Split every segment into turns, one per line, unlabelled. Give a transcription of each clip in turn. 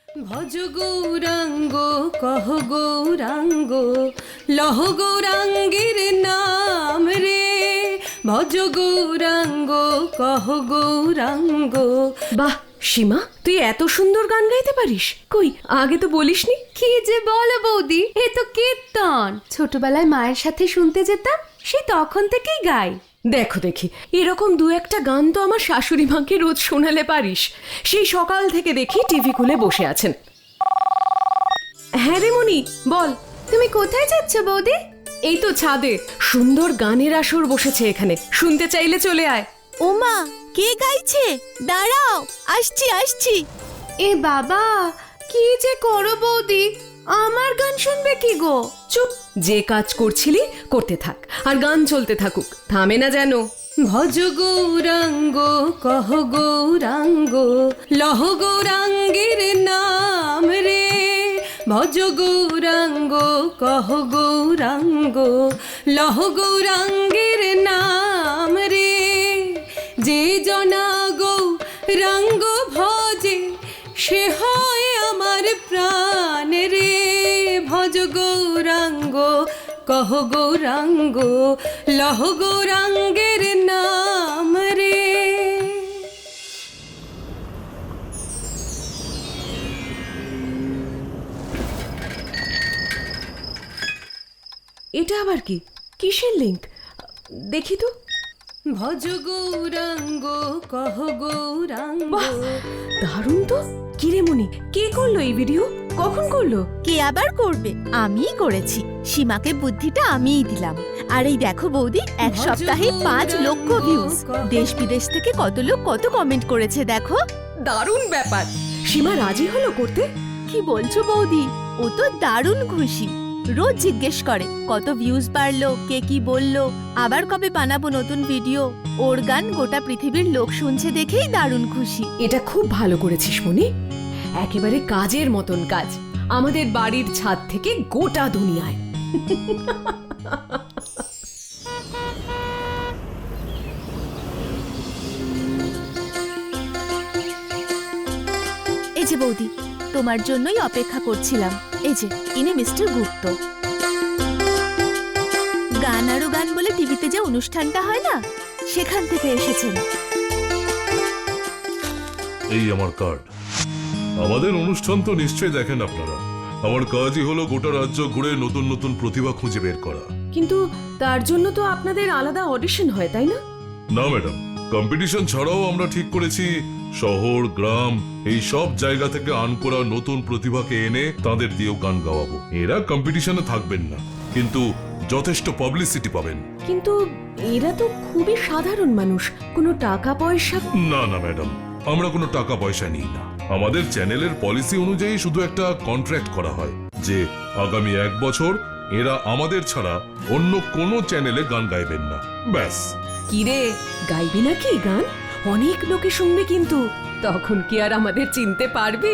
ভজ গৌরাঙ্গ কহ গৌরাঙ্গ লহ গৌরাঙ্গের নাম রে, ভজ গৌরাঙ্গ কহ গৌরাঙ্গ।
বাহ সীমা, তুই এত সুন্দর গান গাইতে পারিস? কই আগে তো বলিসনি।
কি যে বলো বৌদি, এ তো কীর্তন। ছোটবেলায় মায়ের সাথে শুনতে যেতাম, সেই তখন থেকেই গাই।
দেখো দেখি, এরকম দু একটা গান তো আমার শাশুড়ি মাকে রোজ শোনালে পারিস। সেই সকাল থেকে দেখি টিভি খুলে বসে আছেন। হ্যাঁ রে মনি, বল।
তুমি কোথায় যাচ্ছ বৌদি?
এই তো ছাদে, সুন্দর গানের আসর বসেছে এখানে, শুনতে চাইলে চলে আয়।
ওমা, কে গাইছে? দাঁড়াও, আসছি আসছি।
এ বাবা, কি যে করো বৌদি, আমার গান শুনবে কি গো?
চুপ, যে কাজ করছিলি করতে থাক, আর গান চলতে থাকুক, থামে না যেন।
ভজ গৌরাঙ্গ কহ গৌরাঙ্গ লহ গৌরাঙ্গের নাম রে, ভজ গৌরাঙ্গ কহ গৌরাঙ্গ লহ গৌরাঙ্গের নাম রে, যে জনা গৌরাঙ্গ ভজে সে হয় আমার প্রাণ রে, ভজ গৌরাঙ্গ কহ গৌরাঙ্গ লহ গৌরাঙ্গের নাম রে।
এটা আবার কি? কিসের লিংক দেখি তো।
ভজ গৌরাঙ্গ কহ গৌরাঙ্গ।
বাহ, দারুণ তো। কিরে মনি, কে করলো এই ভিডিও? কখন করলো?
কে আবার করবে? আমিই করেছি। সীমাকে বুদ্ধিটা আমিই দিলাম। আর এই দেখো বৌদি, এক সপ্তাহে 5 লক্ষ ভিউজ। দেশ বিদেশ থেকে কত লোক কত কমেন্ট করেছে দেখো।
দারুণ ব্যাপার। সীমা রাজি হলো করতে?
কি বলছো বৌদি? ও তো দারুণ খুশি। রোজ জিজ্ঞেস করে কত ভিউজ বাড়লো, কে কি বললো, আবার কবে বানাবো নতুন ভিডিও। ওর গান গোটা পৃথিবীর লোক শুনছে দেখেই দারুণ খুশি।
এটা খুব ভালো করেছিস মনি, একেবারে কাজের মতন কাজ। আমাদের বাড়ির ছাদ থেকে গোটা দুনিয়ায়।
এই যে বৌদি, তোমার জন্যই অপেক্ষা করছিলাম। এই যে ইনি মিস্টার গুপ্ত। গান আরো গান বলে টিভিতে যে অনুষ্ঠানটা হয় না, সেখান থেকে এসেছেন।
এই আমার কার্ড। আমাদের অনুষ্ঠান তো নিশ্চয়ই দেখেন আপনারা। আমার কাজই হলো গোটা রাজ্য ঘুরে নতুন নতুন প্রতিভা খুঁজে বের করা।
কিন্তু তার জন্য তো আপনাদের আলাদা অডিশন হয়, তাই না?
না ম্যাডাম, কম্পিটিশন ছাড়াও আমরা ঠিক করেছি শহর গ্রাম এই সব জায়গা থেকে আন করা নতুন প্রতিভাকে এনে তাদের দিয়েও গান গাওয়াবো। এরা কম্পিটিশনে থাকবেন না, কিন্তু যথেষ্ট পাবলিসিটি পাবেন।
কিন্তু এরা তো খুবই সাধারণ মানুষ, কোনো টাকা পয়সা।
না না ম্যাডাম, আমরা কোনো টাকা পয়সা নিই না। আমাদের চ্যানেলের পলিসি অনুযায়ী শুধু একটা কন্ট্রাক্ট করা হয় যে আগামী 1 বছর এরা আমাদের ছাড়া অন্য কোনো চ্যানেলে গান গাইবেন না, ব্যাস।
কিরে, গাইবি নাকি গান? অনেক লোকে শুনবে কিন্তু, তখন কি আর আমাদের চিনতে পারবি?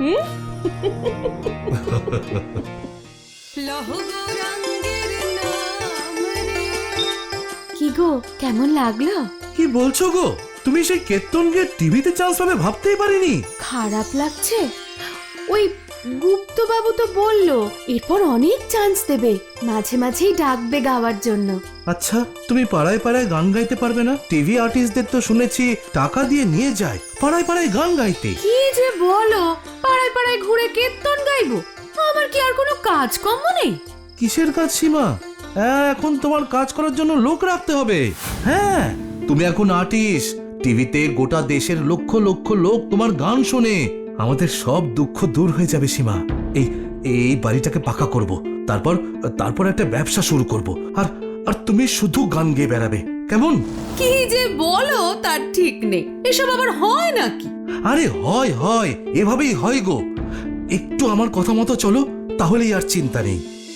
লহ গৌরাঙ্গের নাম রে।
কি গো, কেমন লাগলো?
কি বলছো গো? তুমি সেই কেতনকে টিভিতে চান্স পাবে ভাবতেই পারিনি।
খারাপ লাগছে? ওই গুপ্তবাবু তো বললো এরপর অনেক চান্স দেবে, মাঝে মাঝেই ডাকবে গাওয়ার জন্য।
আচ্ছা, তুমি পাড়ায় পাড়ায় গান গাইতে পারবে না? টিভি আর্টিস্টদের তো শুনেছি টাকা দিয়ে নিয়ে যায় পাড়ায় পাড়ায় গান গাইতে।
কি যে বলো, পাড়ায় পাড়ায় ঘুরে কীর্তন গাইবো? আমার কি আর কোনো কাজ কর্ম নেই?
কিসের কাজ সীমা? এখন তোমার কাজ করার জন্য লোক রাখতে হবে। হ্যাঁ, তুমি এখন আর্টিস্ট। টিভিতে গোটা দেশের লক্ষ লক্ষ লোক তোমার গান শোনে। আমাদের সব দুঃখ দূর হয়ে যাবে সীমা। এই বাড়িটাকে পাকা করব, তারপর একটা ব্যবসা শুরু করব, আর আর তুমি শুধু গান গেয়ে বেড়াবে, কেমন?
কি যে বলো তার ঠিক নেই, এসব আবার হয় নাকি?
আরে হয় হয়, এভাবেই হয় গো। একটু আমার কথা মতো চলো, তাহলেই আর চিন্তা নেই।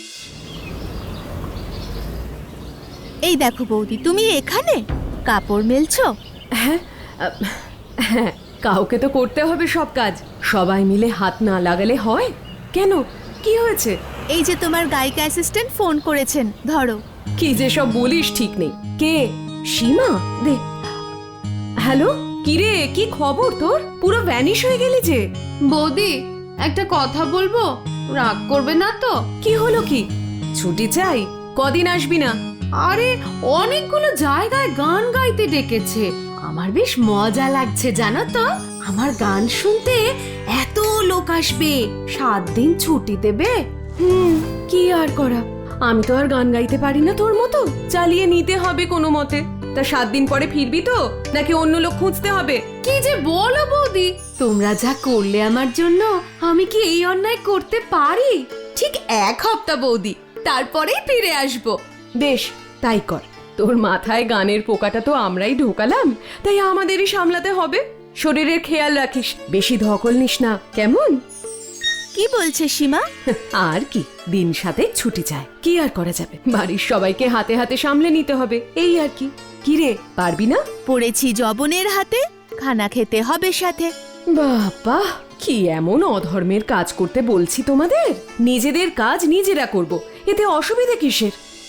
এই দেখো বৌদি, তুমি এখানে কাপড় মেলছো?
হ্যাঁ, হ্যাঁ, কাউকে তো করতে হবে সব কাজ। সবাই মিলে হাত না লাগালে হয়? কেন, কি হয়েছে?
এই যে তোমার গায়িকা অ্যাসিস্ট্যান্ট ফোন করেছেন, ধরো।
কি যে সব বলিস ঠিক নেই। কে? সীমা? দে। হ্যালো, কিরে, কি খবর তোর? পুরো ভ্যানিশ হয়ে গেলি যে।
বৌদি, একটা কথা বলবো, রাগ করবে না তো?
কি হলো কি? ছুটি চাই? কদিন আসবি না?
আরে অনেকগুলো জায়গায় গান গাইতে ডেকেছে, আমার বেশ মজা লাগছে জানো তো। আমার গান শুনতে এত লোক আসবে, 7 দিন ছুটি দেবে।
কি আর করা, আমি তো আর গান গাইতে পারি না তোর মতো, চালিয়ে নিতে হবে কোনো মতে। তা 7 দিন পরে ফিরবি তো, নাকি অন্য লোক খুঁজতে হবে?
কি যে বলো বৌদি, তোমরা যা করলে আমার জন্য, আমি কি এই অন্যায় করতে পারি? ঠিক 1 সপ্তাহ বৌদি, তারপরেই ফিরে আসবো।
বেশ, তাই কর। তোর মাথায় গানের পোকাটা তো আমরাই ঢোকালাম, তাই আমাদেরই সামলাতে হবে। শরীরের খেয়াল রাখিস, বেশি ধকল নিস না, কেমন?
কি বলছে সীমা?
আর কি, দিন সাথে ছুটি চায়, কি আর করা যাবে, বাড়ির সবাইকে হাতে হাতে সামলে নিতে হবে, এই আর কি। কি রে, পারবি না?
পড়েছি জবনের হাতে, খানা খেতে হবে সাথে।
বাবা, কি এমন অধর্মের কাজ করতে বলছি তোমাদের? নিজেদের কাজ নিজেরা করব, এতে অসুবিধা কিসের?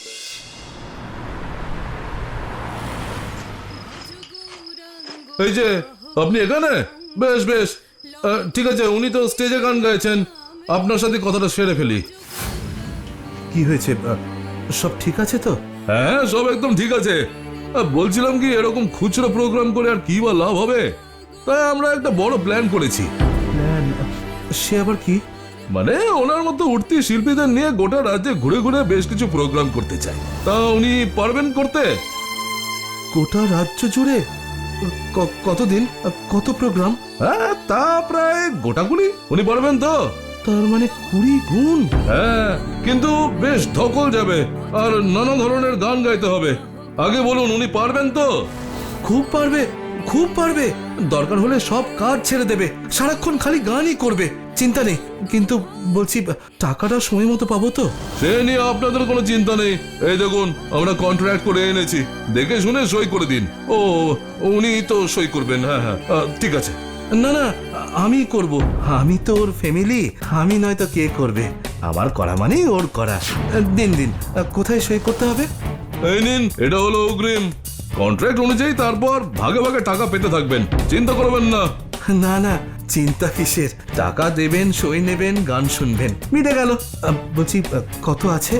এই যে আপনি এখানে? বেশ বেশ, ঠিক আছে, উনি তো স্টেজে গান গাইছেন, আপনার সাথে কথাটা সেরে ফেলি।
কি হয়েছে, সব ঠিক আছে তো?
হ্যাঁ, সব একদম ঠিক আছে। বলছিলাম কি, এরকম খুচরো প্রোগ্রাম করে আর কি বা লাভ হবে, তাই আমরা একটা বড় প্ল্যান করেছি।
প্ল্যান? সে আবার কি?
মানে ওনার মতো উঠতি শিল্পীদের নিয়ে গোটা রাজ্যে ঘুরে ঘুরে বেশ কিছু প্রোগ্রাম করতে চাই। তা উনি পারবেন করতে?
গোটা রাজ্য জুড়ে? কতদিন, কত প্রোগ্রাম?
হ্যাঁ, তা প্রায় গোটাগুলি। উনি পারবেন তো?
তার মানে 20 গুণ?
হ্যাঁ, কিন্তু বেশ ধকল যাবে, আর নানা ধরনের গান গাইতে হবে। আগে বলুন, উনি পারবেন তো?
খুব পারবে, খুব পারবে। দরকার হলে সব কাজ ছেড়ে দেবে, সারাক্ষণ খালি গানই করবে, চিন্তা নেই। কিন্তু বলছি, টাকাটা সময় মতো পাবো তো?
সে নিয়ে আপনাদের কোনো চিন্তা নেই। এই দেখুন, আমরা কন্ট্রাক্ট করে এনেছি, দেখে শুনে সই করে দিন। ও, উনি তো সই করবেন? হ্যাঁ হ্যাঁ, ঠিক আছে।
না না, আমি করব। আমি তো ওর ফ্যামিলি, আমি নয়তো কে করবে? আমার করা মানে ওর করা। দিন দিন, কোথায় সই করতে হবে?
এই নিন, এটা হলো অগ্রিম। কন্ট্রাক্ট অনুযায়ী তারপর ভাগে ভাগে টাকা পেতে থাকবেন, চিন্তা করবেন না।
না না, চিন্তা কিসের? টাকা দেবেন, সই নেবেন, গান শুনবেন, মিটে গেল। বলছি, কত আছে?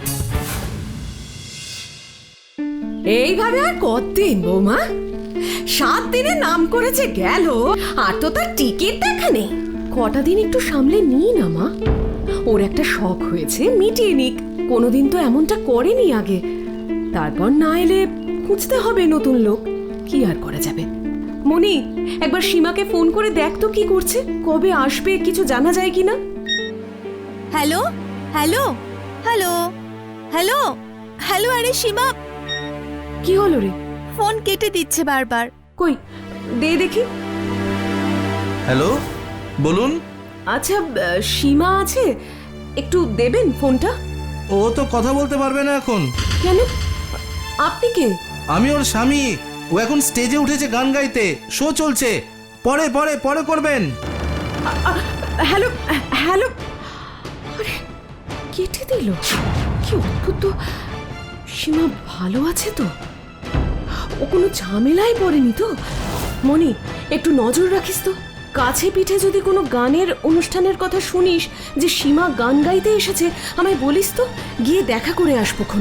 এইভাবে আর কতদিন বৌমা? 7 দিনে নাম করেছে গেল, আর তো তার টিকিট দেখা নেই। কটা দিন একটু সামলে নিই না মা, ওর একটা শখ হয়েছে, মিটিয়ে নিক। কোনোদিন তো এমনটা করেনি আগে। তারপর না এলে খুঁজতে হবে নতুন লোক, কি আর করা যাবে। মনি, একবার সীমাকে ফোন করে দেখ তো কি করছে, কবে আসবে কিছু জানা যায় কিনা।
Hello hello hello hello hello, আরে সীমা,
কি হলো রে?
ফোন কেটে দিচ্ছে বারবার।
কই, দে দেখি।
হ্যালো, বলুন।
আচ্ছা, সীমা আছে, একটু দেবেন ফোনটা?
ও তো কথা বলতে পারবে না এখন।
কেন, আপনি কে?
আমি ওর স্বামী। ও এখন স্টেজে উঠেছে গান গাইতে, শো চলছে। পরে পরে পরে করবেন।
হ্যালো হ্যালো, আরে কেটে দিল, কি অদ্ভুত তো। সীমা ভালো আছে তো? ও কোনো ঝামেলায় পড়েনি তো? মনি, একটু নজর রাখিস তো। কাছে পিঠে যদি কোনো গানের অনুষ্ঠানের কথা শুনিস যে সীমা গান গাইতে এসেছে, আমায় বলিস তো, গিয়ে দেখা করে আসবোক্ষণ।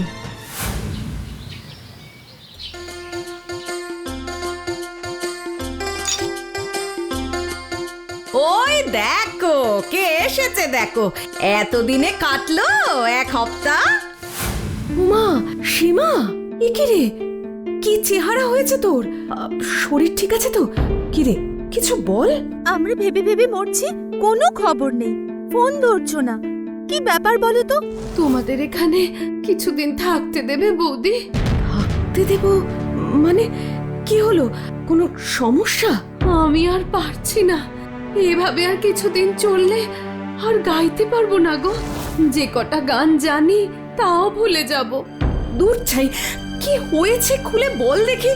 ওই দেখো কে এসেছে, দেখো এতদিনে কাটলো 1 সপ্তাহ। মা, সীমা, এ কি রে, কি চেহারা হয়েছে তোর? শরীর ঠিক আছে তো? কি রে, কিছু বল।
আমরা ভেবে ভেবে মরছি, কোনো খবর নেই, ফোন ধরছো না, কি ব্যাপার বলো তো?
তোমাদের এখানে কিছুদিন থাকতে দেবে বৌদি?
থাকতে দেব মানে? কি হলো, কোনো সমস্যা?
আমি আর পারছি না, এভাবে আর কিছুদিন চললে আর গাইতে পারবো না গো। যে কটা গান জানি তাও ভুলে যাব।
দূর ছাই, কি হয়েছে খুলে বল দেখি।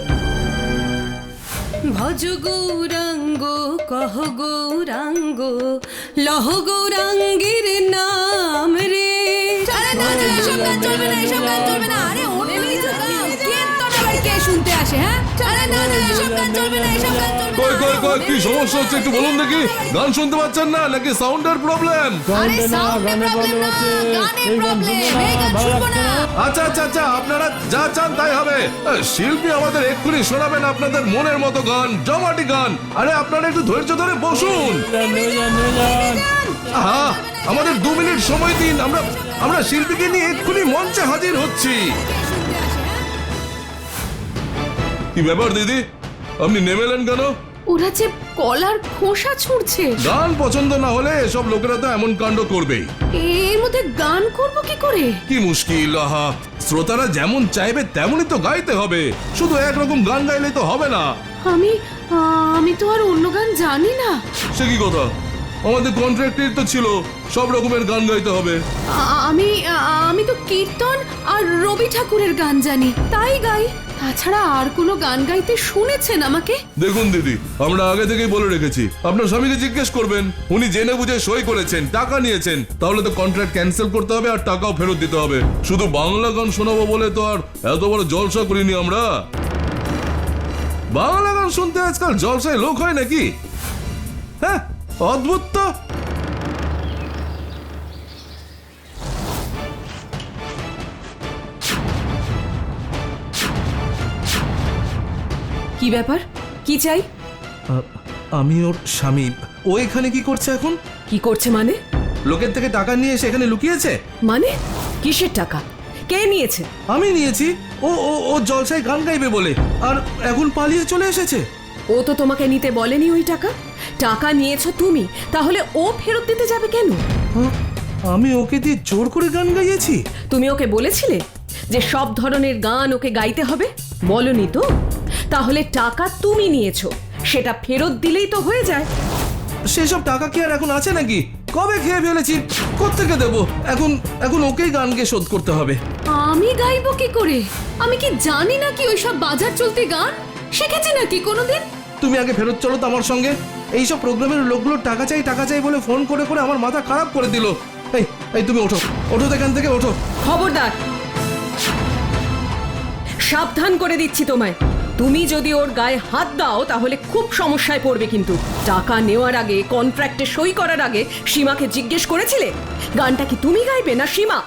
ভজ গৌরাঙ্গ কহ গৌরাঙ্গ লহ গৌরাঙ্গের নাম রে। এসব গান চলবে না, এসব গান চলবে না। আরে ওঠেই তো গান, কীর্তন আবার কে শুনতে আসে? হ্যাঁ, আরে না না, এসব গান চলবে না, এসব গান চলবে না।
কই কি সমস্যা হচ্ছে একটু বলুন দেখি। গান শুনতে পাচ্ছেন না নাকি সাউন্ডের প্রবলেম?
আরে সাউন্ডের প্রবলেম না, গানের প্রবলেম। এই গান শুনবো না।
আচ্ছা আচ্ছা আচ্ছা, আপনারা যা চান তাই হবে। শিল্পী আমাদের এক্ষুনি শোনাবেন আপনাদের মনের মতো গান, জমাটি গান। আরে আপনারা একটু ধৈর্য ধরে বসুন। আহা, আমাদের 2 মিনিট সময় দিন, আমরা শিল্পীকে নিয়ে এক্ষুনি মঞ্চে হাজির হচ্ছি। কি ব্যাপার দিদি, আপনি নেমেলেন কেন?
ওরা যে কলার খোসা ছুঁড়ছে।
গান পছন্দ না হলে এসব লোকেরা তো এমন কাণ্ড করবেই।
এর মধ্যে গান করব কি করে?
কি মুশকিল, আহা, শ্রোতারা যেমন চাইবে তেমনই তো গাইতে হবে। শুধু একরকম গান গাইলে তো হবে না।
আমি তো আর অন্য গান জানি না।
সে কি কথা, আমাদের কন্ট্রাক্টের তো ছিল সব রকমের গান গাইতে হবে।
আমি তো কীর্তন আর রবি ঠাকুরের গান জানি, তাই গাই। তাছাড়া আর কোনো গান গাইতে শুনেছেন আমাকে?
দেখুন দিদি, আমরা আগে থেকেই বলে রেখেছি আপনার স্বামীকে জিজ্ঞেস করবেন। উনি জেনে বুঝে সই করেছেন, টাকা নিয়েছেন, তাহলে তো কন্ট্রাক্ট ক্যান্সেল করতে হবে আর টাকাও ফেরত দিতে হবে। শুধু বাংলা গান শোনাবো বলে তো আর এত বড় জলসা করিনি আমরা। বাংলা গান শুনতে আজকাল জলসায় লোক হয় নাকি? হ্যাঁ, অদ্ভুত তো।
কি ব্যাপার, কি চাই?
আমি ওর স্বামী। ও এখানে কি করছে এখন?
কি করছে মানে?
লোকের থেকে টাকা নিয়ে এসে এখানে লুকিয়েছে।
মানে কিসের টাকা? কে নিয়েছে?
আমি নিয়েছি। ও ও ও জলসায় গান গাইবে বলে, আর এখন পালিয়ে চলে এসেছে।
ও তো তোমাকে নিতে বলেনি ওই টাকা। টাকা নিয়েছো তুমি, তাহলে ও ফেরত দিতে যাবে কেন?
হ্যাঁ, আমি ওকে দিয়ে জোর করে গান গাইয়েছি।
তুমি ওকে বলেছিলে যে সব ধরনের গান ওকে গাইতে হবে? বলনি তো? তাহলে টাকা তুমি নিয়েছো, সেটা ফেরত দিলেই তো হয়ে যায়।
সেসব টাকা কি আর এখন আছে নাকি? কবে খেয়ে ফেলেছি, কোত্থেকে দেবো? এখন ওকেই গান গেয়ে শোধ করতে হবে।
আমি গাইবো কি করে? আমি কি জানি নাকি ওইসব বাজার চলতে গান? শিখেছি নাকি কোনোদিন?
তুমি আগে ফেরত চলো তো আমার সঙ্গে। এইসব প্রোগ্রামের লোকগুলো টাকা চাই বলে ফোন করে করে আমার মাথা খারাপ করে দিল। এই তুমি ওঠো, ওঠো এখান থেকে, ওঠো।
খবরদার, সাবধান করে দিচ্ছি তোমায়। তুমি যদি ওর গায়ে হাত দাও তাহলে খুব সমস্যায় পড়বে। কিন্তু টাকা নেওয়ার আগে, কন্ট্রাক্টে সই করার আগে সীমাকে জিজ্ঞেস করেছিলে গানটা কি তুমি গাইবে না সীমা?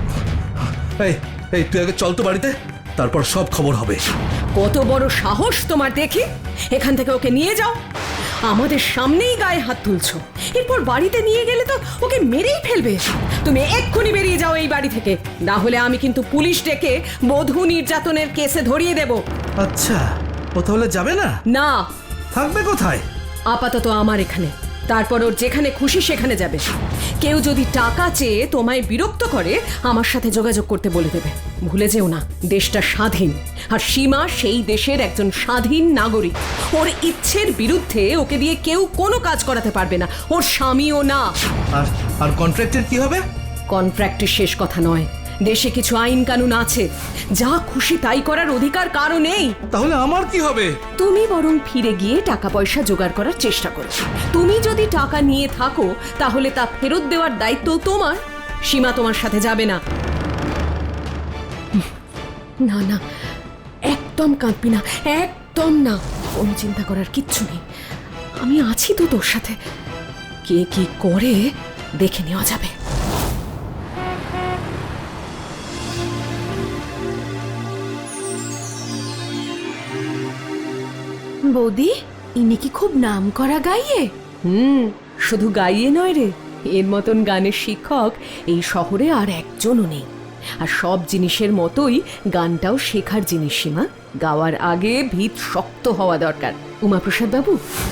এই তুই আগে চল তো বাড়িতে, তারপর সব খবর হবে।
কত বড় সাহস তোমার দেখি! এখান থেকে ওকে নিয়ে যাও। আমাদের সামনেই গায়ে হাত তুলছো, এরপর বাড়িতে নিয়ে গেলে তো ওকে মেরেই ফেলবে। তুমি এক্ষুনি বেরিয়ে যাও এই বাড়ি থেকে, না হলে আমি কিন্তু পুলিশ ডেকে বধূ নির্যাতনের কেসে ধরিয়ে দেব।
আচ্ছা, ও তাহলে যাবে না?
না।
থাকবে কোথায়?
আপাতত আমার এখানে, তারপর ওর যেখানে খুশি সেখানে যাবে। কেউ যদি টাকা চেয়ে তোমায় বিরক্ত করে আমার সাথে যোগাযোগ করতে বলে দেবে। ভুলে যেও না, দেশটা স্বাধীন, আর সীমা সেই দেশের একজন স্বাধীন নাগরিক। ওর ইচ্ছের বিরুদ্ধে ওকে দিয়ে কেউ কোনো কাজ করাতে পারবে না, ওর স্বামীও না।
আর কন্ট্রাক্টের কি হবে?
কন্ট্রাক্টের শেষ কথা নয়, দেশে কিছু আইন কানুন আছে, যা খুশি তাই করার অধিকার কারো নেই।
তাহলে আমার কি হবে?
তুমি বরং ফিরে গিয়ে টাকা পয়সা জোগাড় করার চেষ্টা করো। তুমি যদি টাকা নিয়ে থাকো তাহলে তা ফেরত দেওয়ার দায়িত্ব তোমার। সীমা তোমার সাথে যাবে না। না না, একদম কাঁদবি না, একদম না। কোনো চিন্তা করার কিচ্ছু নেই, আমি আছি তো তোর সাথে। কে কি করে দেখে নেওয়া যাবে।
বৌদি, ইনি কি খুব নাম করা গাইয়ে?
শুধু গাইয়ে নয় রে, এর মতন গানের শিক্ষক এই শহরে আর একজনও নেই। আর সব জিনিসের মতোই গানটাও শেখার জিনিস সীমা। গাওয়ার আগে ভিত শক্ত হওয়া দরকার। উমাপ্রসাদ বাবু,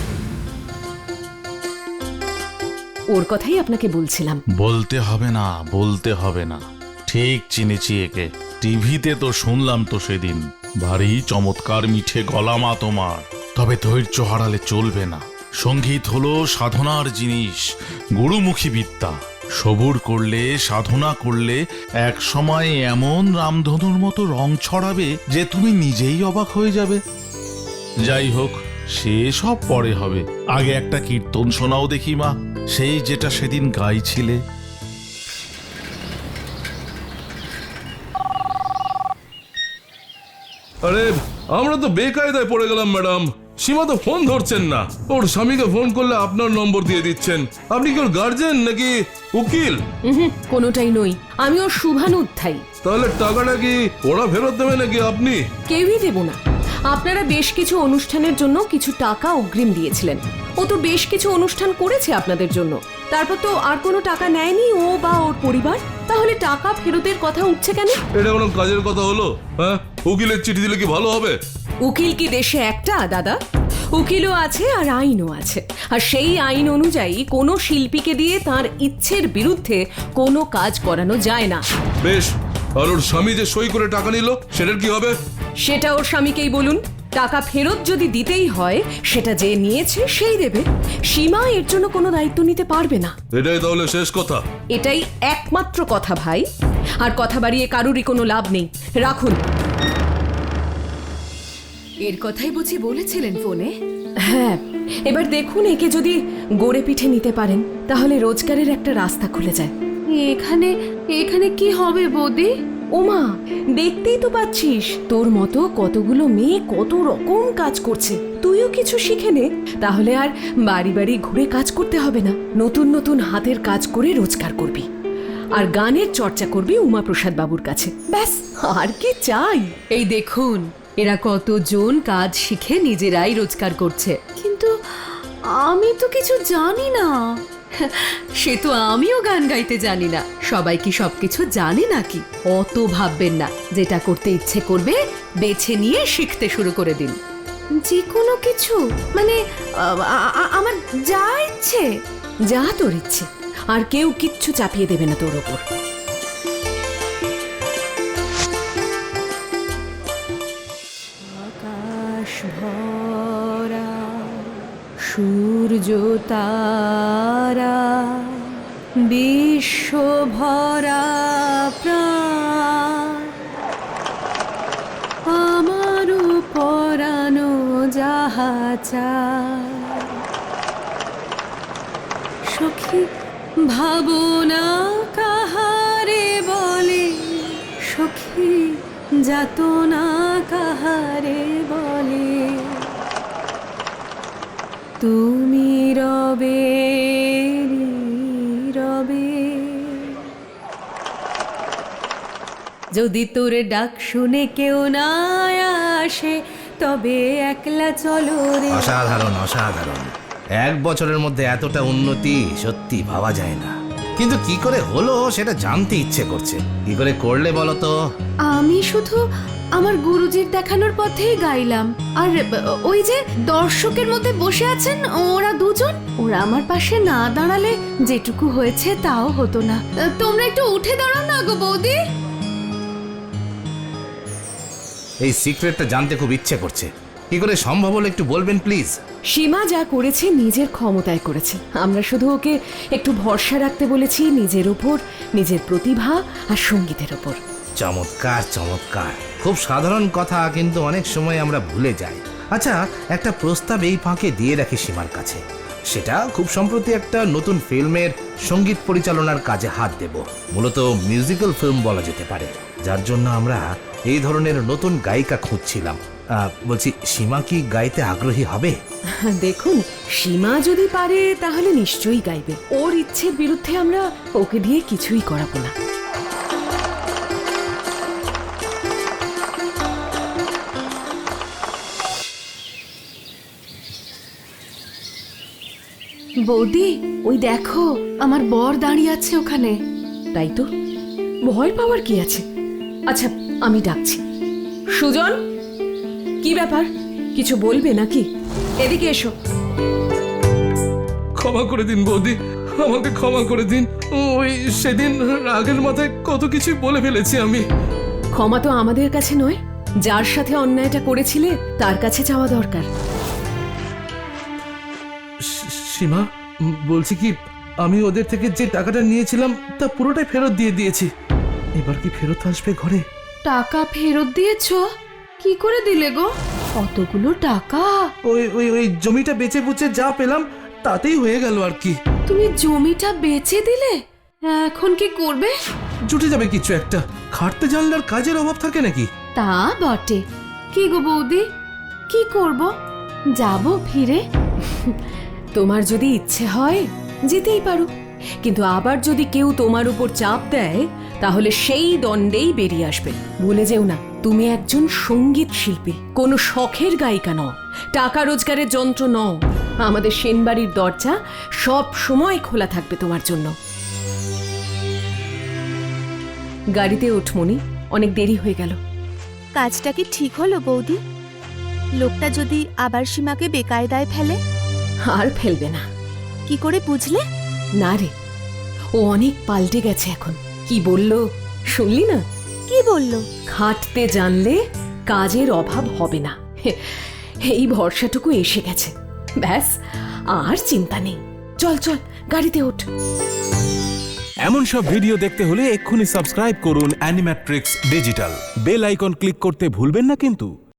ওর কথাই আপনাকে বলছিলাম।
বলতে হবে না, ঠিক চিনেছি একে। টিভিতে তো শুনলাম তো সেদিন, ভারী চমৎকার মিঠে গলা মা তোমার। তবে ধৈর্য হারালে চলবে না। সঙ্গীত হলো সাধনার জিনিস, গুরুমুখী বিদ্যা। সবুর করলে, সাধনা করলে এক সময় এমন রামধনুর মতো রং ছড়াবে যে তুমি নিজেই অবাক হয়ে যাবে। যাই হোক, সে সব পরে হবে। আগে একটা কীর্তন শোনাও দেখি মা, সেই যেটা সেদিন গাইছিলে।
আরে আমরা তো বেকায়দায় পড়ে গেলাম ম্যাডাম। সীমা তো ফোন ধরছেন না। ওর স্বামীকে ফোন করলে আপনার নম্বর দিয়ে দিচ্ছেন। আপনি কি ওর গার্জেন নাকি উকিল?
কোনোটাই নই, আমি ওর শুভানুধ্যায়ী।
তাহলে টাকাটা কি ওরা ফেরত দেবে নাকি আপনি?
কেউই দেব না। আপনারা বেশ কিছু অনুষ্ঠানের জন্য কিছু টাকা অগ্রিম দিয়েছিলেন। ও তো বেশ কিছু অনুষ্ঠান করেছে আপনাদের জন্য, তারপর তো আর কোনো টাকা নেয়নি ও বা ওর পরিবার। তাহলে টাকা ফেরতের কথা উঠছে কেন?
এটা কোনো কাজের কথা হলো? হ্যাঁ, উকিলের চিঠি দিলে কি ভালো হবে?
উকিল কি দেশে একটা দাদা? উকিলও আছে আর আইনও আছে, আর সেই আইন অনুযায়ী কোনো শিল্পীকে দিয়ে তার ইচ্ছের বিরুদ্ধে কোনো কাজ করানো যায় না।
বেশ, আর ওর স্বামী যে সই করে টাকা নিল সেটার কি হবে?
সেটা ওর স্বামীকেই বলুন। টাকা ফেরত যদি দিতেই হয়, সেটা যে নিয়েছে সেই দেবে। সীমা এর জন্য কোনো দায়িত্ব নিতে পারবে না।
এটাই তাহলে শেষ কথা?
এটাই একমাত্র কথা ভাই, আর কথা বাড়িয়ে কারুরই কোনো লাভ নেই। রাখুন।
এর কথাই বুঝি বলেছিলেন ফোনে?
হ্যাঁ, এবার দেখুন একে যদি গড়ে পিঠে নিতে পারেন তাহলে রোজগারের একটা রাস্তা খুলে যায়।
এখানে এখানে কি হবে বৌদি?
ওমা, দেখতেই তো পাচ্ছিস তোর মতো কতগুলো মেয়ে কত রকম কাজ করছে। তুইও কিছু শিখে নে, তাহলে আর বাড়ি বাড়ি ঘুরে কাজ করতে হবে না। নতুন নতুন হাতের কাজ করে রোজগার করবি, আর গানের চর্চা করবি উমাপ্রসাদ বাবুর কাছে। ব্যাস, আর কি চাই?
এই দেখুন, এরা কতজন কাজ শিখে নিজেরাই রোজগার করছে, কিন্তু আমি তো কিছু জানি না। সে তো আমিও গান গাইতে জানি না। সবাই কি সবকিছু জানে নাকি? অত ভাববেন না। যেটা করতে ইচ্ছে করবে বেছে নিয়ে শিখতে শুরু করে দিন। যে কোনো কিছু মানে আমার যা ইচ্ছে।
যা তোর ইচ্ছে, আর কেউ কিচ্ছু চাপিয়ে দেবে না তোর ওপর। আকাশ ভরা সূর্য তারা, বিশ্ব ভরা প্রাণ, আমারও পরানো যাহা চায়। সখী ভাবনা কাহারে বলে, সখী যাতনা কাহারে বলে, তুমি রবে রবে। যদি তোর ডাক শুনে কেউ না আসে, তবে একলা চলো রে।
অসাধারণ অসাধারণ। 1 বছরের মধ্যে এতটা উন্নতি সত্যি ভাবা যায় না। কিন্তু কি করে হলো সেটা জানতে ইচ্ছে করছে। কি করে করলে বলো তো?
আমি শুধু আমার গুরুজির দেখানোর পথেই গাইলাম। আর ওই যে দর্শকের মধ্যে বসে আছেন ওরা দুজন, ওরা আমার পাশে না দাঁড়ালে যেটুকু হয়েছে তাও হতো না। তোমরা একটু উঠে দাঁড়াও না গো বৌদি।
এই সিক্রেটটা জানতে খুব ইচ্ছে করছে। কি করে সম্ভব হলো একটু বলবেন প্লিজ?
সীমা যা করেছে নিজের ক্ষমতায় করেছে। আমরা শুধু ওকে একটু ভরসা রাখতে বলেছি নিজের ওপর, নিজের প্রতিভা আর সঙ্গীতের ওপর।
চমৎকার চমৎকার। খুব সাধারণ কথা, কিন্তু অনেক সময় আমরা ভুলে যাই। আচ্ছা, একটা প্রস্তাব এই ফাঁকে দিয়ে রাখি সীমার কাছে। সেটা খুব সম্প্রতি একটা নতুন ফিল্মের সঙ্গীত পরিচালনার কাজে হাত দেব। মূলত মিউজিক্যাল ফিল্ম বলা যেতে পারে, যার জন্য আমরা এই ধরনের নতুন গায়িকা খুঁজছিলাম। বলছি, সীমা কি গাইতে আগ্রহী হবে?
দেখুন, সীমা যদি পারে তাহলে নিশ্চয়ই গাইবে। ওর ইচ্ছের বিরুদ্ধে আমরা ওকে দিয়ে কিছুই করাবো না।
বৌদি, ওই দেখো আমার বর দাঁড়িয়ে আছে ওখানে।
তাই তো, ভয় পাওয়ার কি আছে? আচ্ছা, আমি ডাকছি। সুজন, কি ব্যাপার? কিছু বলবে নাকি? এদিকে এসো।
ক্ষমা করে দিন বৌদি, আমাকে ক্ষমা করে দিন। ওই সেদিন রাগের মাথায় কত কিছু বলে ফেলেছি আমি।
ক্ষমা তো আমাদের কাছে নয়, যার সাথে অন্যায়টা করেছিলে তার কাছে চাওয়া দরকার।
সীমা, বলছি কি, আমি ওদের থেকে যে টাকাটা নিয়েছিলাম তা পুরোটাই ফেরত দিয়ে দিয়েছি। এবার কি ফেরত আসবে ঘরে?
টাকা ফেরত দিয়েছো? কি করে দিলে গো অতগুলো টাকা?
ওই ওই ওই জমিটা বেচে বুচে যা পেলাম তাতেই হয়ে গেল আর কি।
তুমি জমিটা বেচে দিলে? এখন কি করবে?
জুটে যাবে কিছু একটা। খাটতে জানলে আর কাজের অভাব থাকে নাকি?
তা বটে। কি গো বৌদি, কি করব?
যাব ফিরে।
তোমার যদি ইচ্ছে হয় যেতেই পারো, কিন্তু আবার যদি কেউ তোমার উপর চাপ দেয় তাহলে সেই দণ্ডেই বেরিয়ে আসবে। ভুলে যেও না, তুমি একজন সঙ্গীত শিল্পী, কোনো শখের গায়িকা নও, টাকা রোজগারের যন্ত্র নও। আমাদের সেনবাড়ির দরজা সব সময় খোলা থাকবে তোমার জন্য। গাড়িতে ওঠ মনি, অনেক দেরি হয়ে গেল।
কাজটা কি ঠিক হলো বৌদি? লোকটা যদি আবার সীমাকে বেকায়দায় ফেলে?
আর ফেলবে না।
কি করে বুঝলে?
না রে, ও অনেক পাল্টে গেছে এখন। কি বললো শুনলি না?
কি বললো?
খাটতে জানলে কাজের অভাব হবে না, এই ভরসাটুকু এসে গেছে। ব্যাস, আর চিন্তা নেই। চল চল, গাড়িতে ওঠ।
এমন সব ভিডিও দেখতে হলে এক্ষুনি সাবস্ক্রাইব করুন Animatrix digital. Bell icon click করতে ভুলবেন না কিন্তু।